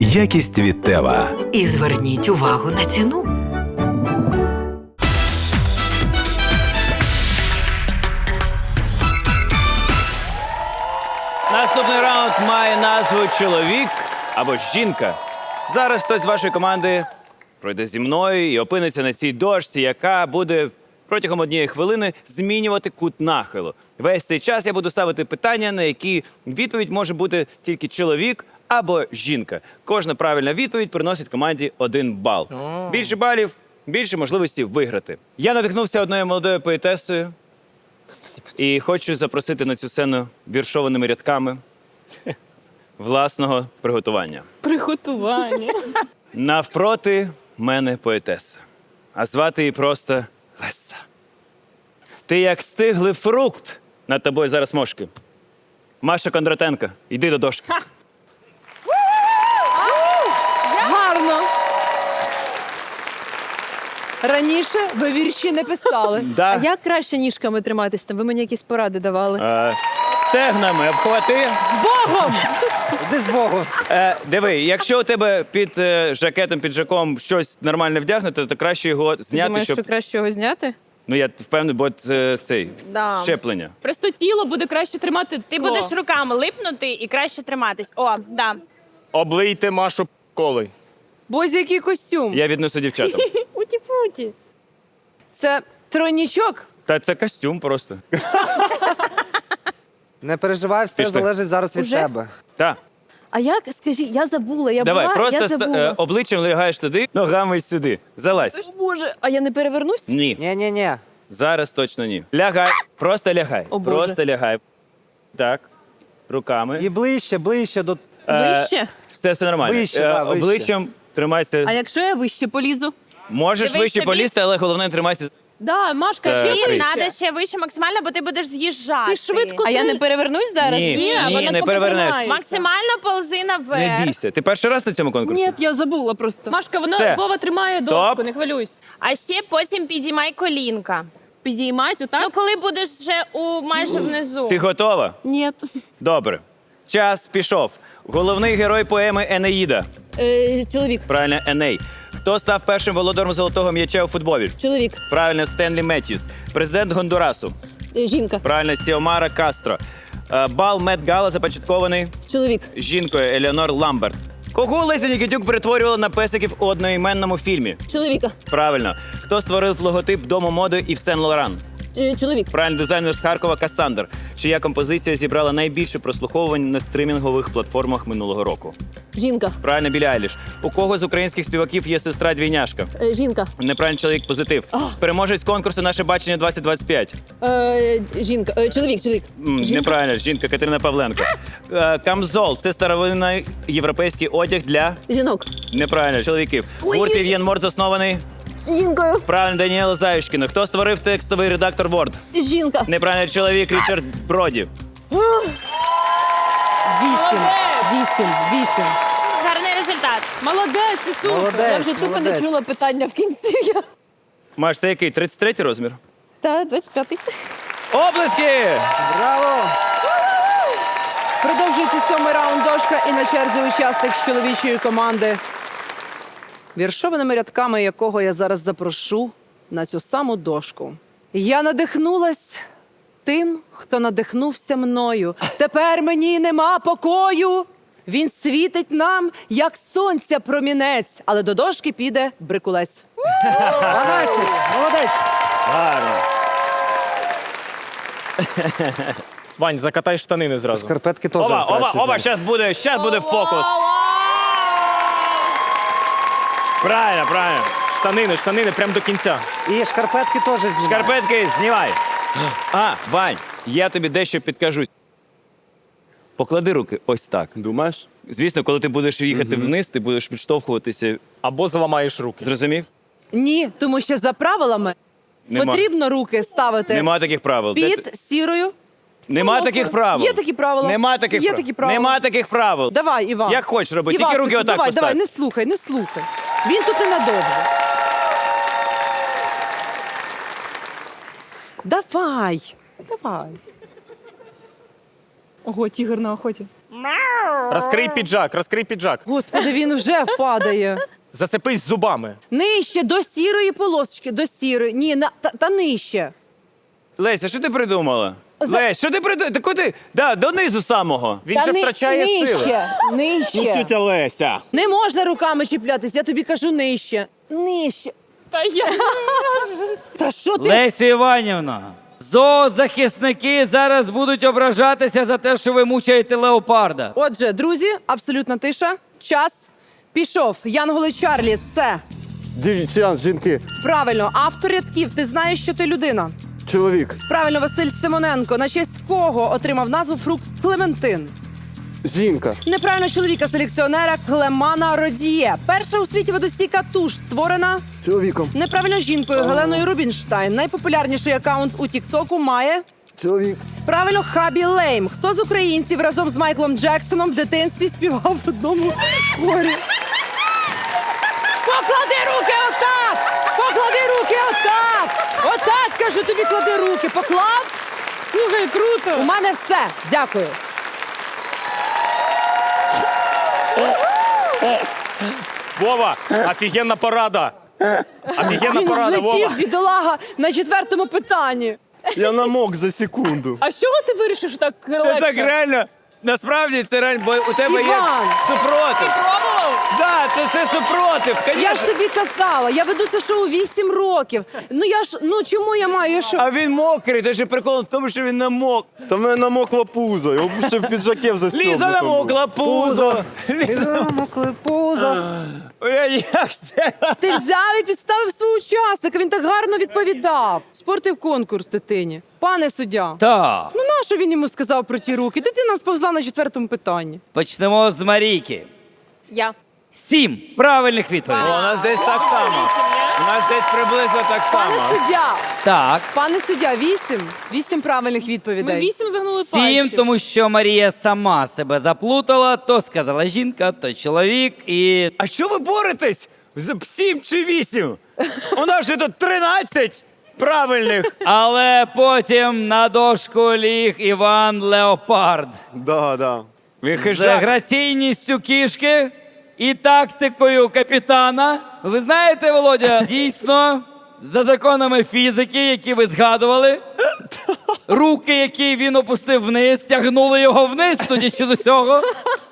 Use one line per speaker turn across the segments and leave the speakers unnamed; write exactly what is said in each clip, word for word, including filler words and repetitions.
Якість від Тева.
І зверніть увагу на ціну.
Наступний раунд має назву «Чоловік» або «Жінка». Зараз хтось з вашої команди пройде зі мною і опиниться на цій дошці, яка буде протягом однієї хвилини змінювати кут нахилу. Весь цей час я буду ставити питання, на які відповідь може бути тільки чоловік або жінка. Кожна правильна відповідь приносить команді один бал. Більше балів – більше можливості виграти. Я надихнувся одною молодою поетесою і хочу запросити на цю сцену віршованими рядками власного приготування.
Приготування.
Навпроти мене поетеса, а звати її просто Леса. Ти як стиглий фрукт, над тобою зараз мошки. Маша Кондратенко, йди до дошки.
Гарно. Раніше ви вірші не писали.
Да.
А як краще ніжками триматись? Там ви мені якісь поради давали.
Е, стегнами обхвати.
З Богом!
Іди з Богу.
Е, диви, якщо у тебе під е, жакетом, піджаком щось нормально вдягнуто, то краще його
Ти
зняти,
думаєш,
щоб...
що краще його зняти?
Ну, я впевнений, бо це цей,
Да.
щеплення.
Просто тіло буде краще тримати.
Ти будеш руками липнути і краще триматись. О, да.
Облийте Машу колою.
Бозі, який костюм?
Я віднесу дівчатам.
Уті-путі.
Це тройнічок?
Та це костюм просто.
Не переживай, все
Пішли.
залежить зараз від
Уже?
тебе.
Так.
А як, скажіть, я забула, я
Давай,
була,
просто
я
ста-
забула.
е, обличчям лягаєш туди, ногами сюди. Залазь.
О, Боже, а я не перевернусь?
Ні.
Ні-ні-ні.
Зараз точно ні. Лягай. Просто лягай.
О, Боже.
Просто лягай. Так. Руками.
І ближче, ближче до...
Е,
Вище?
Все, все нормально.
Вище,
Е,
да, вище.
Обличчям тримайся.
А якщо я вище полізу?
Можеш
Дивись
вище
собі.
полізти, але головне тримайся.
Да, Машка,
Це
ще
приз.
Треба ще вище максимально, бо ти будеш з'їжджати.
Ти швидко
А я не перевернусь зараз?
Ні,
Ні,
ні,
вона
не
поки
перевернеш.
тримає.
Максимально ползи наверх.
Не бійся. Ти перший раз на цьому конкурсі?
Ні, я забула просто.
Машка, вона
Все.
Вова тримає
Стоп.
дошку, не хвилюйся.
А ще потім підіймай колінка.
Підіймать отак?
Ну, коли будеш вже у майже внизу.
Ти готова?
Ні.
Добре. Час пішов. Головний герой поеми Енеїда.
Е, чоловік.
Правильно, Еней. Хто став першим володарем золотого м'яча у футболі?
Чоловік.
Правильно, Стенлі Меттьюс. Президент Гондурасу.
Е, жінка.
Правильно, Сіомара Кастро. Е, Бал Мет Гала започаткований
Чоловік.
жінкою Елеонор Ламберт. Кого Леся Нікітюк перетворювала на песиків у одноіменному фільмі?
Чоловіка.
Правильно. Хто створив логотип Дому моди Ів Сен Лоран?
Е, чоловік.
Правильно, дизайнер з Харкова Кассандр, чия композиція зібрала найбільше прослуховувань на стримінгових платформах минулого року.
Жінка.
Правильно, Білі Айліш. У кого з українських співаків є сестра-двійняшка?
Е, жінка.
Неправильний чоловік, позитив. Переможець конкурсу «Наше бачення двадцять двадцять п'ять».
Е, жінка. Е, чоловік, чоловік.
М, Неправильно, жінка Катерина Павленко. Е, Камзол – це старовинний європейський одяг для...
Жінок.
Неправильно, чоловіків. Гурт Вів'єн Морд заснований...
Жінкою.
Правильно, Даніела Заюшкіна. Хто створив текстовий редактор Word?
Жінка.
Неправильно, чоловік Річард Броді.
Вісім. Вісім з вісім.
Гарний результат.
Молодець, ти супер.
Молодець,
Я вже тупо не
молодець.
чула питання в кінці. Я-
Маш, це який? тридцять третій розмір?
Та, двадцять п'ятий.
Оплески!
Браво!
Продовжується сьомий раунд дошка і на черзі учасник з чоловічої команди, віршованими рядками якого я зараз запрошу на цю саму дошку. Я надихнулась тим, хто надихнувся мною. Тепер мені нема покою. Він світить нам, як сонця промінець, але до дошки піде брикулець.
дванадцять! Молодець!
Гарно.
Вань, закатай штанини зразу.
Шкарпетки теж
Оба, оба,
краще
оба,
знаєш.
зараз буде, щас буде фокус. Правильно, правильно.
Штанини, штанини, прямо до кінця.
І шкарпетки теж знімай.
Шкарпетки знімай. А, Вань, я тобі дещо підкажу. Поклади руки ось так.
Думаєш?
Звісно, коли ти будеш їхати вниз, ти будеш відштовхуватися.
Або зламаєш руки.
Зрозумів?
Ні, тому що за правилами
Нема.
потрібно руки ставити
Нема таких правил. Де ти-
під сірою.
Нема
полосою.
таких правил.
Є такі правила.
Нема таких,
Є
прав-
такі правила.
Нема таких правил.
Давай, Іван.
Як хочеш роби, тільки
Івасику,
руки отак
давай,
постав.
давай, не слухай, не слухай. Він тут ненадовго. Давай, давай.
Ого, тігр на охоті.
Розкрий піджак, розкрий піджак.
Господи, він вже впадає.
Зацепись зубами.
Нижче, до сірої полосочки, до сірої. Ні, на, та, та нижче.
Леся, що ти придумала?
За-
Лесь, що ти придумала? Та куди? Да, донизу самого.
Він
та
же
ни-
втрачає
нижче,
сили.
Нижче.
Леся.
Не можна руками чіплятись, я тобі кажу нижче. Нижче.
Та я
Та що ти?
Лесю Іванівна, зоозахисники зараз будуть ображатися за те, що ви мучаєте леопарда.
Отже, друзі, абсолютна тиша. Час пішов. Янголи Чарлі, це
Дівчан, жінки,
правильно. Автор рядків, ти знаєш, що ти людина.
чоловік,
Правильно, Василь Симоненко. На честь кого отримав назву фрукт Клементин?
жінка,
Неправильно, чоловіка селекціонера Клемана Родіє. Перша у світі водостійка туш створена
чоловіком,
неправильно жінкою Геленою Рубінштайн. Найпопулярніший акаунт у Тіктоку має
чоловік,
правильно Хабі Лейм. Хто з українців разом з Майклом Джексоном в дитинстві співав в одному хорі? Поклади руки отак! Поклади руки отак! Отак, кажу тобі, клади руки. Поклав?
слухай, круто.
У мене все. Дякую.
Вова, офігенна порада. Офігенна
Він
порада,
злетів,
Вова.
бідолага, на четвертому питанні.
я намок за секунду.
А з чого ти вирішив, що так
Це
легше?
так реально. Насправді це реально, бо у тебе є
Іван!
супротив.
Пробував?
Да, це все супротив.
Я ж
Конечно.
тобі казала, я веду це шоу вісім років. Ну я ж, ну чому я маю я що?
А він мокрий, це ж прикол в тому, що він намок.
Та в мене намокло пузо, його б ще в піджаке в застібнутому.
Ліза намокла, пузо. Ліза
Намокли пузо.
Ой, як це?
Ти взяв і підставив свого учасника, він так гарно відповідав. Спортив конкурс дитині. Пане суддя,
Так,
ну нащо він йому сказав про ті руки? Дитина сповзла на четвертому питанні.
почнемо з Марійки.
Я.
Сім правильних
О,
відповідей.
у нас десь так само. У нас десь приблизно так
Пане
само.
суддя,
Так,
пане суддя, вісім. Вісім правильних
Ми
відповідей.
вісім загнули
сім,
пальців.
тому що Марія сама себе заплутала, то сказала жінка, то чоловік і.
А що ви боретесь? За сім чи вісім? У нас же тут тринадцять правильних.
Але потім на дошку ліг Іван Леопард.
Да, да.
Він
З
хижак.
граційністю кішки і тактикою капітана. Ви знаєте, Володя, дійсно, за законами фізики, які ви згадували, руки, які він опустив вниз, тягнули його вниз, судячи з усього.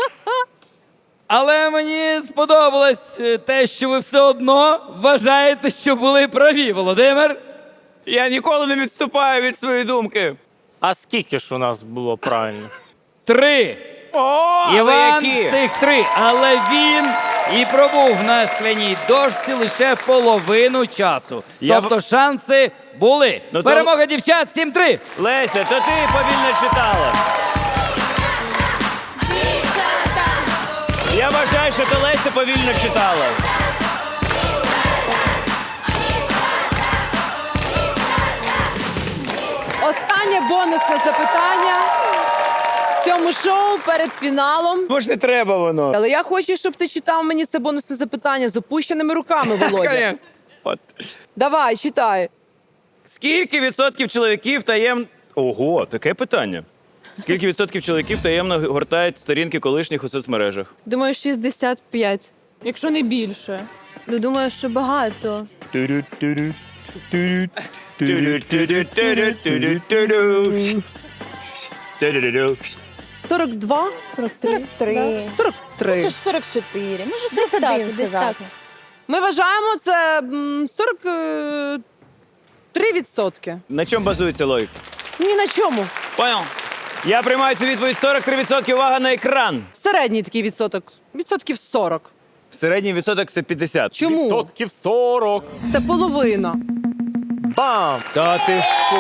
Але мені сподобалось те, що ви все одно вважаєте, що були праві, Володимир.
Я ніколи не відступаю від своєї думки.
А скільки ж у нас було правильно?
Три.
О, але
Іван
які?
встиг три, але він і пробув на скляній дошці лише половину часу.
Я
Тобто шанси були.
Ну, то-
Перемога дівчат сім три.
Леся, то ти повільно читала. Я вважаю, що то Леся повільно читала.
Останнє бонусне запитання в цьому шоу перед фіналом.
Може, не треба воно.
Але я хочу, щоб ти читав мені це бонусне запитання з опущеними руками, Володя.
Конечно. От.
Давай, читай.
Скільки відсотків чоловіків таємно... Ого, таке питання. Скільки відсотків чоловіків таємно гортають сторінки колишніх у соцмережах?
Думаю, шістдесят п'ять.
Якщо не більше.
Ну, думаю, що багато.
сорок два?
сорок три.
сорок три.
Це ж сорок чотири. Може,
Десь
сорок один
так, десь
сказати.
так.
Ми вважаємо це м, сорок три відсотки.
На чому базується логіка?
Ні на чому.
Понял. Я приймаю цю відповідь сорок три відсотки. Увага на екран.
Середній такий відсоток. Відсотків сорок.
Середній відсоток це п'ятдесят.
Чому?
Відсотків сорок.
Це половина.
Бам!
Та ти що?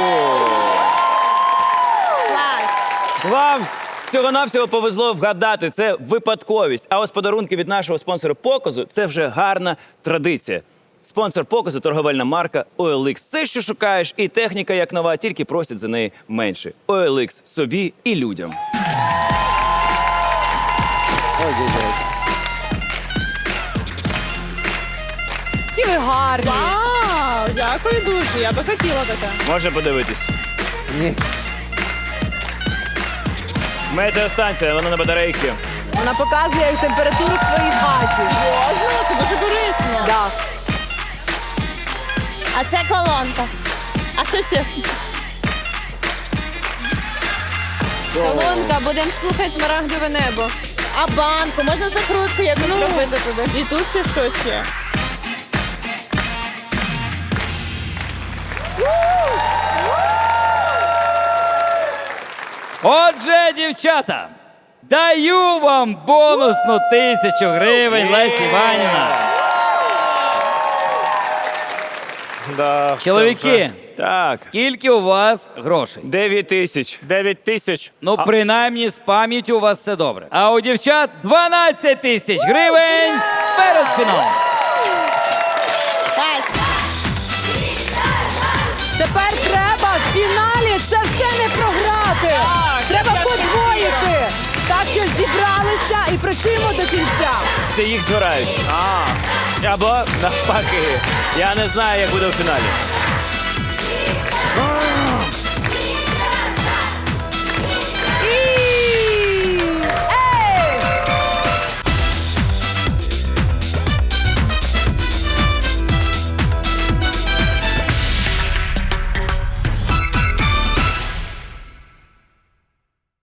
Клас.
Вам всього-навсього повезло вгадати. Це випадковість. А ось подарунки від нашого спонсора показу – це вже гарна традиція. Спонсор показу – торговельна марка о ел ікс. Все, що шукаєш, і техніка як нова, тільки просять за неї менше. о ел ікс – собі і людям.
Які ви гарні.
Вау, дякую дуже. Я би хотіла таке.
Можна подивитись.
Ні.
Метеостанція, вона на батарейки.
Вона показує температуру в твоїй хаті.
Серйозно? Це дуже корисно.
Да.
А це колонка.
А що ще?
Колонка, будемо слухати смарагдове небо.
А банку, можна закрутку якусь зробити туди. І тут ще щось є.
Отже, дівчата, даю вам бонусну тисячу гривень, Лесі Іванівна.
Да, все
Чоловіки,
Так,
скільки у вас грошей?
дев'ять тисяч.
вже. дев'ять тисяч.
Ну, принаймні, з пам'яттю у вас все добре. А у дівчат дванадцять тисяч гривень перед фіналом.
Тепер треба в фіналі це все не програти. Треба подвоїти. Так що зібралися і працюємо до кінця.
Це їх збирають. А. Або навпаки. Я не знаю, як буде у фіналі.